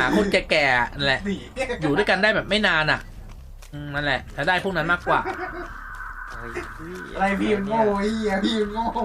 าคนแก่ๆนั่นแหละอยู่ด้วยกันได้แบบไม่นานอ่ะนั่นแหละถ้าได้พวกนั้นมากกว่าอะไรพี่มันโง่พี่พี่มันโง่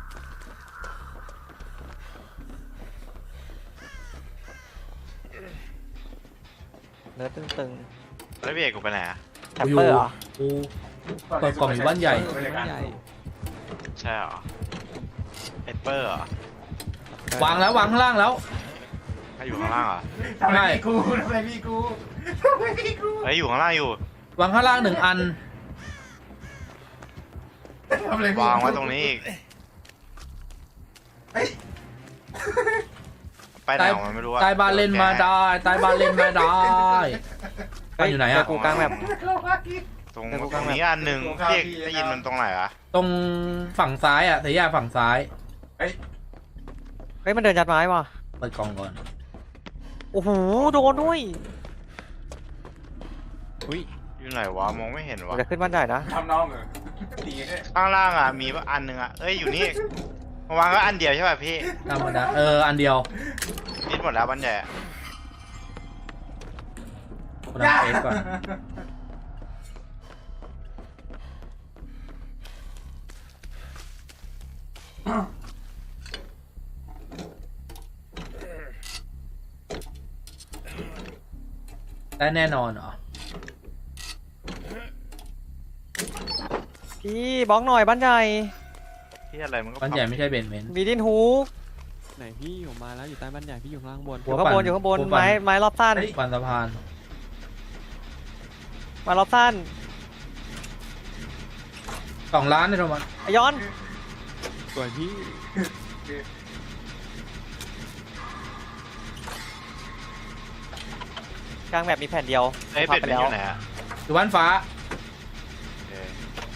เนื้อตึงแล้วพี่เอกกูไปไหนอะๆแทปเปอร์เหรอกูเปิดกล่องอยู่บ้านใหญ่บ้านใหญ่ใช่เหรอเอสเปอร์เหรอวางแล้ววางข้างล่างแล้วถ้าอยู่ข้างล่างเหรอทำอะไรพี่กูทำอะไรพี่กูทำอะไรพี่กูเฮ้ยอยู่ข้างล่างอยู่วางข้างล่าง1 อันทำอะไรพี่วางไว้ตรงนี้อีกเฮ้ยไปไหนของมันไม่รู้อะใต้บ้านเล่นมาได้ใต้บ้านเล่นมาได้บ้านอยู่ไหนเจอะกูกลางแบบตรงนี้อันหนึ่งพี่เอกได้ยินมันตรงไหนวะตรงฝั่งซ้ายอะเสียยาฝั่งซ้ายเฮ้ยมันเดินยัดไม้ว่ะเปิดกล่องก่อนโอ้โหโดนด้วยอุ้ยอยู่ไหนวะมองไม่เห็นมันวะจะขึ้นบ้านใหญ่นะทำน้องเหรอดีข้างล่างอะมีอันหนึ่งอะเอ้ยอยู่นี่มาวางก็อันเดียวใช่ป่ะพี่ธรรมดาอันเดียวนิดหมดแล้วบันใหญ่อะคนละเฟสก่อนได้แน่นอนเหรอพี่บล็อกหน่อยบ้านใหญ่ที่อะไรมันก็บ้านใหญ่ไม่ใช่เบนเมนมีดินฮูกไหนพี่อยู่มาแล้วอยู่ใต้บ้านใหญ่พี่อยู่ข้างล่างบนอยู่ข้างบนอยู่ข้างบนไม้รอบสั้นปันสะพานไม้รอบสั้น 2 ล้านเลยโทมัสไอ้ย้อนสวยพี่กลางแบบมีแผ่นเดียวเอ้ยเป็ดมันอยู่ไหนอะอยู่บ้านฟ้าเออ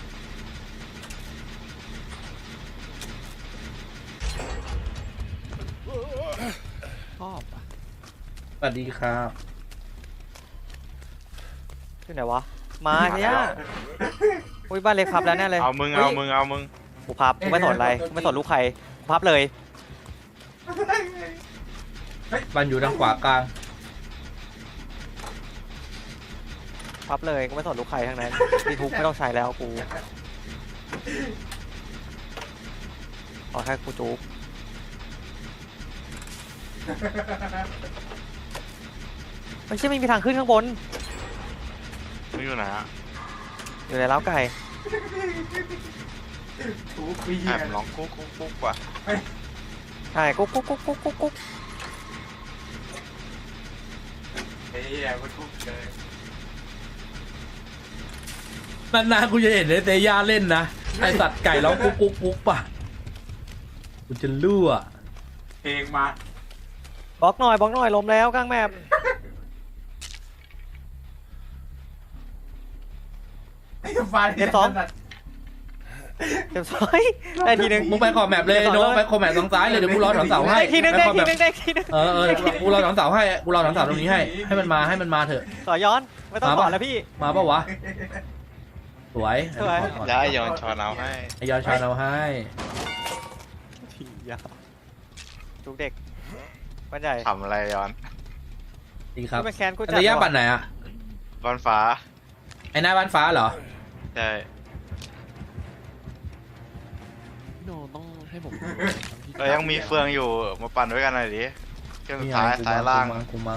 ชอบอ่ะสวัสดีครับที่ไหนวะมาเนี่ยอุ้ยบ้านเล็กพับแล้วแน่เลยเอามึงกูพับกูไม่สนอะไรกูไม่สนลูกใครกูพับเลยบ้านอยู่ทางขวากลางพับเลยกูไม่สนลูกใครทั้งนั้นดีทุกไม่ต้องใช้แล้วกูเอาแค่กูจุ๊บไม่ใช่ไม่มีทางขึ้นข้างบนมึงอยู่ไหนอะอยู่ในเล้าไก่ถูกพี่แอบร้องกุ๊กว่ะใช่กุ๊กกุ๊กกุ๊กกุ๊กกุ๊กกุ๊กเฮ้ยมันทุกเลยนานๆกูจะเห็นเตย่าเล่นนะไอสัตว์ไก่ร้องกุ๊กกุ๊กกุ๊กป่ะกูจะรั่วเพลงมาบล็อกหน่อยล้มแล้วกลางแมปไอ้ฟ้าเต็มซอยได้ทีนึงมึงไปขอบแมปเลยโน้ไปขอบแมปทางซ้ายเลยเดี๋ยวกูรอถอนเสาให้ได้ทีนึงไปได้ขอบทีแมปนึงได้ทีนึงกูรอถอนเสาให้กูรอถอนเสาตรงนี้ให้มันมาเถอะต่อย้อนไม่ต้องต่อแล้วพี่มาปะวะสวยสวยแล้วไอ้ยอนชอนเอาให้ไอยอนชาเอาให้ทียาวทุกเด็กบ้านใหญ่ทำอะไรยอนดีครับกูไม่แค้นกูจัเตย่าปั่นไหนอะบอลฟ้าไอหน้าบ้านฟ้าเหรอใช่พี่โนต้องให้ผมเรายังมีเฟืองอยู่มาปั่นด้วยกันหน่อยดิเครื่องสุดนี่ไงท้ายซ้ายล่างกูมา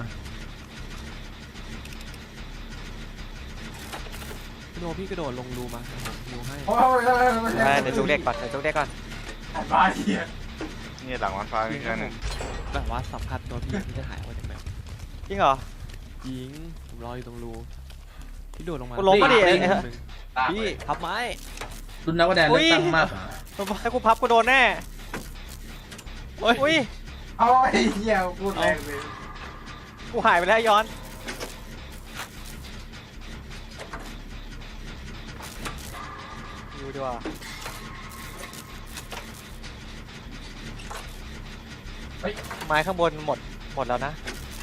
พี่โนพี่กระโดดลงรูมาผมดูให้โอ้ยเดี๋ยวทุกเด็กก่อนเดี๋ยวทุกเด็กก่อนบ้าเหี้ยนี่หลังบอลฟ้ามีแค่หนึ่งแบบว่าสัมผัสตัวพี่ที่จะหายออกจากแมปจริงเหรอยิงผมรออยู่ตรงรูพี่โดดลงมากูล้มมาดิพี่พับไม้รุ่นนักแสดงเลือกตั้งมากถ้ากูพับกูโดนแน่อุ้ยเอาไอ้เหี้ยพูดแรงเลยกูหายไปแล้วย้อนดูดีกว่า ไม้ข้างบนหมดแล้วนะ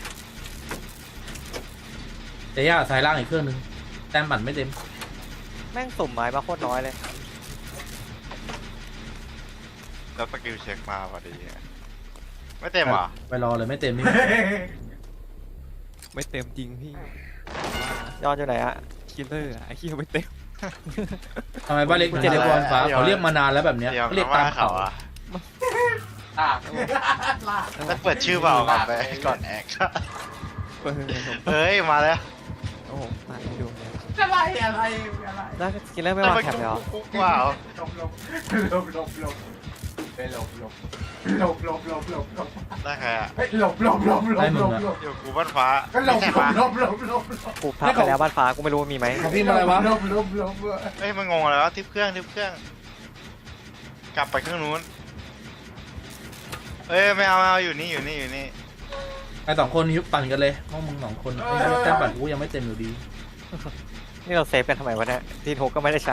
เตย่าสายล่างอีกเครื่องนึงแต้มปั่นไม่เต็มแม่งสุ่มไม้มาโคตรน้อยเลยแล้วสกิลเช็คมาพอดีไม่เต็มเหรอไปรอเลยไม่เต็มนี่ไม่เต็มจริงพี่ยอดอยู่ไหนอะคิลเลอร์อะไอ้ขี้ไม่เต็มทำไมบ้านเล็กถึงเรียกบอลฟ้าเขาเรียกมานานแล้วแบบเนี้ยเดี๋ยวเขาเรียกว่าตามเขาเขาอ่ะลากลากแล้วเปิดชื่อเปล่าก่อนไปก่อนแอกเปิดผมเฮ้ยมาแล้วโอ้โหมาให้ดูเนี่ยอะไรอะไรอะไรแล้วกินเริ่มไม่วางแถบเลยเหรอกุ๊กว้าวหลบหลบหลบหลบหลบไปหลบหลบหลบหลบหลบหลบหลบได้ใครอ่ะเฮ้ยหลบหลบหลบหลบหลบหลบอยู่กูบ้านฟ้าก็หลไม่บใช่หลปะบหลบหลบหลบหลบกูพับไปแล้วบ้านฟ้ากูไม่รู้ว่ามีไหมของพี่มาอะไรวะหลบหลบหลบเฮ้ยมันงงอะไรวะทิปเครื่องทิปเครื่อง กลับไปเครื่องนู้นเอ้ยไม่เอาอยู่นี่อยู่นี่อยู่นี่ไอ้สองคนนี้ปั่นกันเลยห้องมึงสองคนไอ้แต้มปั่นกูยังไม่เต็มอยู่ดีนี่เราเซฟกันทำไมวะเนี่ยทีนฮุกก็ไม่ได้ใช้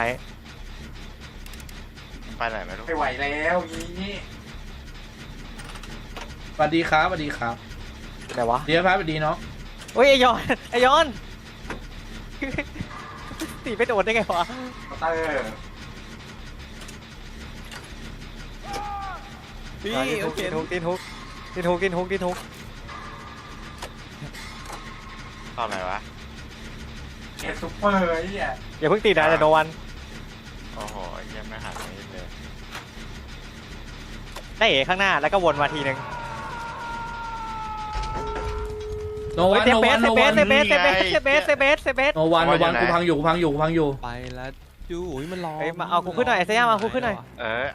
ไปไหนไม่รู้ไม่ไหวแล้วงี้สวัสดีครับสวัสดีครับไหนวะเดี๋ยวครับสวัสดีเนาะเฮ้ยไอยอนไอยอน ตีไปโดนได้ไงวะเตอร์พี่ทีนโอฮุกเคทีนฮุกทีนฮุกทีนฮุกทีนฮุกทีนฮุกตอนไหนวะเอ็ดซุปเปอร์ไอ้เนี่ยอย่าเพิ่งตีนะแต่โนวันโอ้โหยังไม่หันนิดเลยได้เอ๋ข้างหน้าแล้วก็วนมาทีนึงโนวันเซโนเบวัสนเซโนเบวัสนเซเบสเซเบสเซเบสเซเบสเซเบสโนวันกูพังอยู่กูพังอยู่กูพังอยู่ไปแล้วจูอุ้ยมันร้องเฮ้ยมาเอากูขึ้นหน่อยไอ้เซย่ามาเอากูขึ้นหน่อยเอา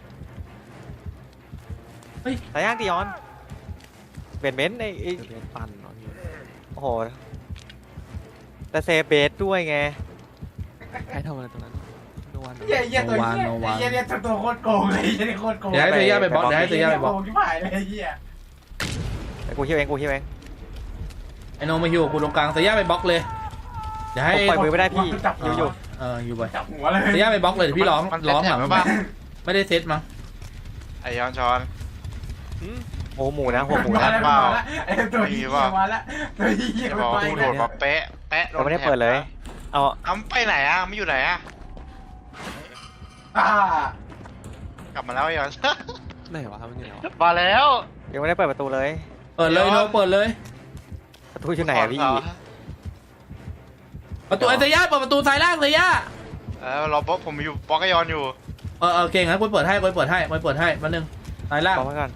สายย่างตีออนเบนเบนไอ้เดี๋ยวเป็นปั่นเนาะพี่โอ้โหแต่เซเบสด้วยไงใครทำอะไรตรงนั้นโนวันเหี้ยตัวเหี้ยเนี่ยตัวโคตรโกงเลยเหี้ยโคตรโกงเดี๋ยวให้เซย่าไปบล็อกเดี๋ยวให้เซย่าไปบล็อกโกงที่ผ่านเลยเหี้ยไอ้กูฮิวเองกูฮิวเองไอ้โนมาฮิวกูตรงกลางเซย่าไปบล็อกเลยเดี๋ยวให้ผมปล่อยมือไม่ได้พี่อยู่อยู่อยู่ไปจับหัวเลยเซย่าไปบล็อกเลยเดี๋ยวพี่ร้องร้องหลังมันเซ็ตแถบไว้ป่ะไม่ได้เซตมั้งไอยอนชอนโอ้หมูนะหัวหมูมานะแล้วมาแล้วไอ้ตัวเหี้ยมาแล้วตัวเหี้ยจะมับนอกไปกูโดดมาเป๊ะแป๊ะเราไม่ได้เปิดเลย เอาอ้ำไปไหนอ่ะไม่อยู่ไหนอ่ะอ่ากลับมาแล้วไอยอนไหนวะมันอยู่ไหนวะมาแล้วยังไม่ได้เปิดประตูเลยเปิดเลยโนเปิดเลยประตูอยู่ไหนอะพี่ประตูไอ้เซย่าเปิดประตูซ้ายล่างเซย่ารอบล็อกผมอยู่บล็อกไอยอนอยู่เก่งงั้นกูเปิดให้กูเปิดให้กูเปิดให้มาหนึ่งซ้ายล่างบอกไว้ก่อน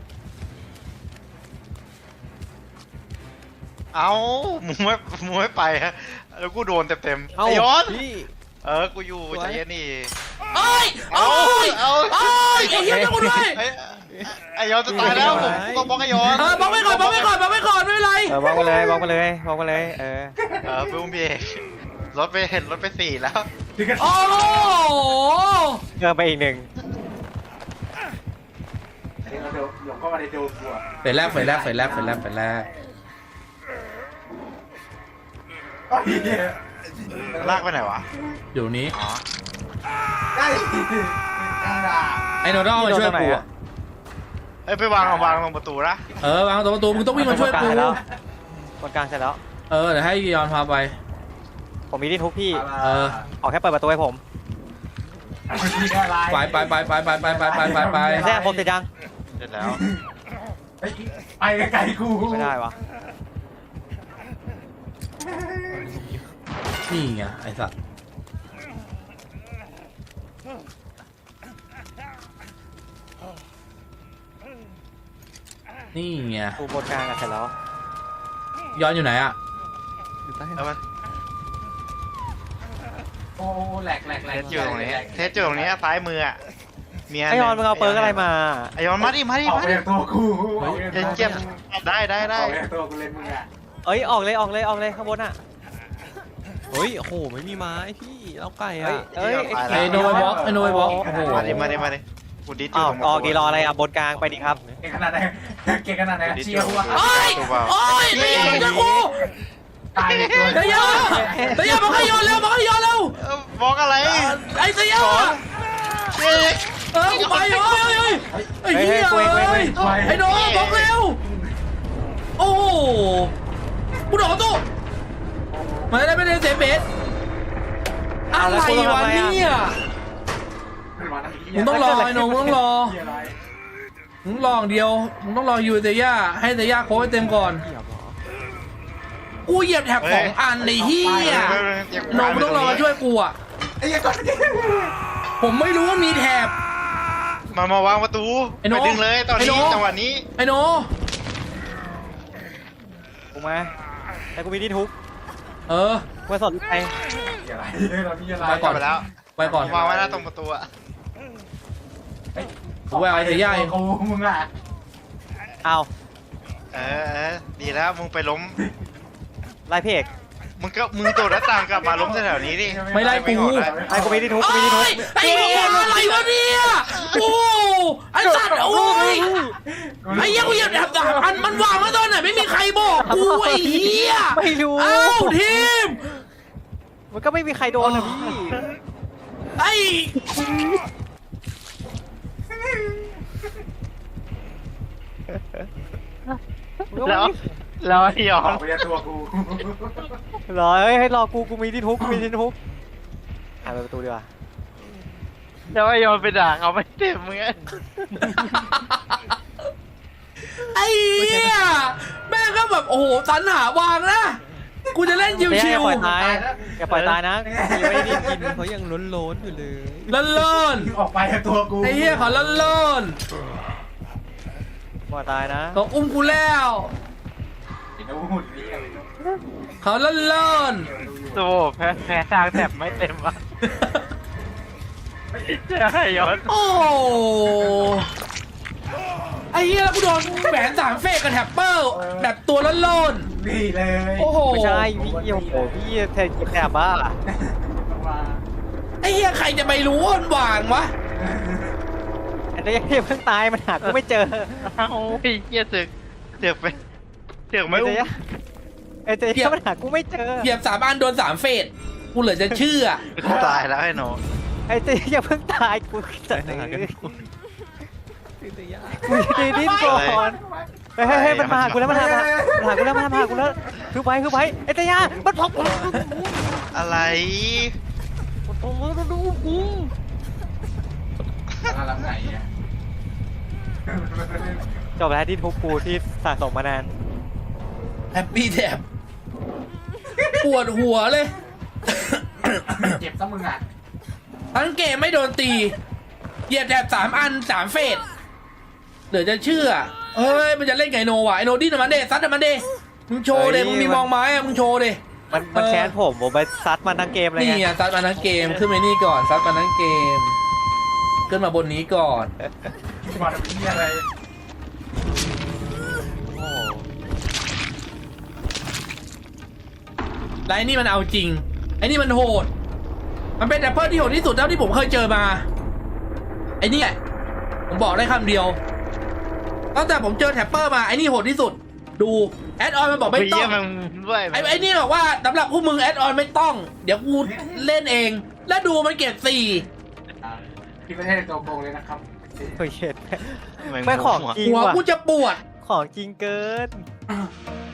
เอ้ามึงไม่ไปฮะแล้วกูโดนเต็มๆเอ้าไอยอนพี่กูอยู่ใจเย็นนี่โอ้ยโอ้ยเอาโอ้ยไอ้เหี้ยจะกูด้วยไอยอนจะตายแล้วผมต้องบล็อกไอยอนบล็อกไว้ก่อนบล็อกไว้ก่อนบล็อกไว้ก่อนไม่เป็นไรบอกมาเลยบอกมาเลยบอกมาเลยไปอุ้มพี่เอกรถไปสี่แล้วถึงกันโอ้โหเพิ่มไปอีกหนึ่งเดี๋ยวหลงเข้ามาในโดมกูอ่ะเฟสแรกเฟสแรกเฟสแรกเฟสแรกเฟสแรกไอ้เหี้ยลากไปไหนวะอยู่นี้อ๋อได้กระดาษไอ้โนดอลมาช่วยกูอะไปวางลงประตูนะวางตรงประตูมึงต้องวิ่งมาช่วยกูแล้วคนกลางเสร็จแล้วเดี๋ยวให้ยอนพาไปผมมีที่ทุกพี่เออออกแค่เปิดประตูให้ผมไปไปไปไปไปไปไปไปไปไปแท้ผมเสร็จยังเสร็จแล้วไปไกลกูไม่ได้วะนี่ไงไอ้สัตว์นี่ไงกูบนกลางเสร็จแล้วยอนอยู่ไหนอ่ะอยู่ใต้เอามาโอ้แหลกเทสอยู่ตรงนี้เทสอยู่ตรงนี้ซ้ายมืออ่ะเมียไอยอนมึงเอาเปิร์กอะไรมาไอยอนมาดิออกไปจากตัวกูเจ็บได้ออกไปจากตัวกูเลยมึงอ่ะเอ้ยออกเลยข้างบนอ่ะเฮ้ยโอ้โหไม่มีไม้พี่เราไก่อะเอ้ยไอ้โนไวบล็อกไอ้โนไวบล็อกโอ้โหมาดิกูดิสอ้าวออกดีรออะไรอ่ะบนกลางไปดิครับเก่งขนาดไหนเชียร์ว่ะโอ้ยโอ้ยไอ้ยอนช่วยกูตายตัวไอ้ยอนไอ้ยอนบอกให้ยอนเร็วบอกให้ยอนเร็วบอกอะไรไอ้เสียกูไปเฮ้ยไอ้เหี้ยไอ้โนบล็อกเร็วโอ้โหกูโดนตู้มันได้ไม่ได้เซฟเบสอะไรวะเนี่ยมึงต้องรอไอ้โนมึงต้องรอมึงรออย่างเดียวมึงต้องรอยูเซย่าให้เซย่าโค้ชให้เต็มก่อนเหยียบเหรอกูเหยียบแถบ2 อันในเฮียโนมึงต้องรอมาช่วยกูอ่ะไอ้เหี้ยก่อนผมไม่รู้ว่ามีแถบมาวางประตูไอ้โน่ไปดึงเลยตอนไอ้นี้โน่จังหวะนี้ไอ้โนกูมาแต่กูมีที่ทุบเออกูไม่สนลูกใครมีอะไรเรามีอะไรไปก่อนไปแล้วไปก่อนวางไว้หน้าตรงประตูอะกูแววไอ้เสียใหญ่กูมึงอ่ะเอาดีแล้วมึงไปล้มไล่พี่เอกมึงโดดหน้าต่างกลับมาล้มแถวๆนี้ดิไม่ไล่กูไอ้กูมีที่ทุบกูมีที่ทุบไอ้เหี้ยอะไรวะเนี่ยโอ้ไอ้สัตว์โอ้ยไอ้เหี้ยกูเหยียบแถบ3 อันมันวางไว้ตอนไหนไม่มีใครบอกกูไอ้เหี้ยไม่รู้เอ้าทีมมันก็ไม่มีใครโดนนะพี่ไอ้แล้วไอ้ยอออกไปจากตัวกูรอเฮ้ยให้รอกูมีที่ทุบกูมีที่ทุบหาไปประตูดีกว่าแล้วไอ้ยอไปด่าเขาไม่เต็มมึงไอ้เหี้ยแม่งก็แบบโอ้โหสรรหาวางนะกูจะเล่นชิอย่าว ปล่อยตายตายแล้วอย่าปล่อยตายนะยังไม่ได้กินเขายังล้นๆอยู่เลยๆเล่นออกไปจากตัวกูๆไอ้เหี้ยเขาเล่นปล่อยตายนะๆเขาอุ้มกูแล้วไอ้โน่หุ่นนี่อะไรโน่เขาเล่นโซ่แพ้ทางแถบไม่เต็มอ่ะใช่ยอๆโอ้ไอ้เหี้ยแล้วกูโดนแหวน3 เฟกกับแท็ปเปอร์แบบตัวเล่นนี่เลยๆโอ้โหไม่ใช่พี่โอ้โหพี่แทนกินแถบบ้ามาไอ้เหี้ยใครจะไปรู้ว่ามันวางวะอันนี้ยังเพิ่งตายมันหากูไม่เจอเอ้าไอ้เหี้ยเสือกไปเสือกไม่ไอ้อุ้เจ๊มไอ้เจ๊มันหากูไม่เจอเหยียบ3 อันโดน3 เฟสกูเหลือจะเชื่อตายแล้วไอ้หนูไอ้เจ๊ยังเพิ่งตายกูจะไหนตื่นแต่ยากกูจะดิ้นก่อนเฮ้ยมันมาหากูแล้วมันหากูแล้วคือไปไอ้เจ๊ยามันพกอะไรดูกูอะไรไหนอ่ะจบแล้วที่ทุบกูที่สะสมมานานแฮปปี้แท็บปวดหัวเลยเจ็บซะมึงอ่ะทั้งเกมไม่โดนตี เหยียบแถบ3 อัน3 เฟสเดี๋ยวจะเชื่อเฮ้ยมันจะเล่นไก่โนว่ะไอโนดิ้นมันเดซัดมันเดมึงโชว์เดมึงมีมองไม้อะมึงโชว์เดมันแค้นผมไปซัดมันทั้งเกมเลยนี่ไงอ่ะซัดมาทั้งเกมขึ้นไปนี่ก่อนซัดมาทั้งเกม ขึ้นมาบนนี้ก่อนมาทำนี่อะไรโอ้แล้วไอ้นี่มันเอาจริงไอ้นี่มันโหด มันเป็นแอปเปิลที่โหดที่สุดเท่าที่ผมเคยเจอมาไอ้เนี่ยผมบอกได้คำเดียวตั้งแต่ผมเจอแท็ปเปอร์มาไอ้นี่โหดที่สุดดูแอดออนมันบอกไม่ต้องมึงด้วยไอ้นี่บอกว่าสำหรับพวกมึงแอดออนไม่ต้อง เดี๋ยวกูเล่นเอง แล้วดูมันเก็บ4 พี่ไม่ใช่ตัวโกงเลยนะครับโหเช็ดไม่ของจริงหัวว่ะกูจะปวดของจริงเกิน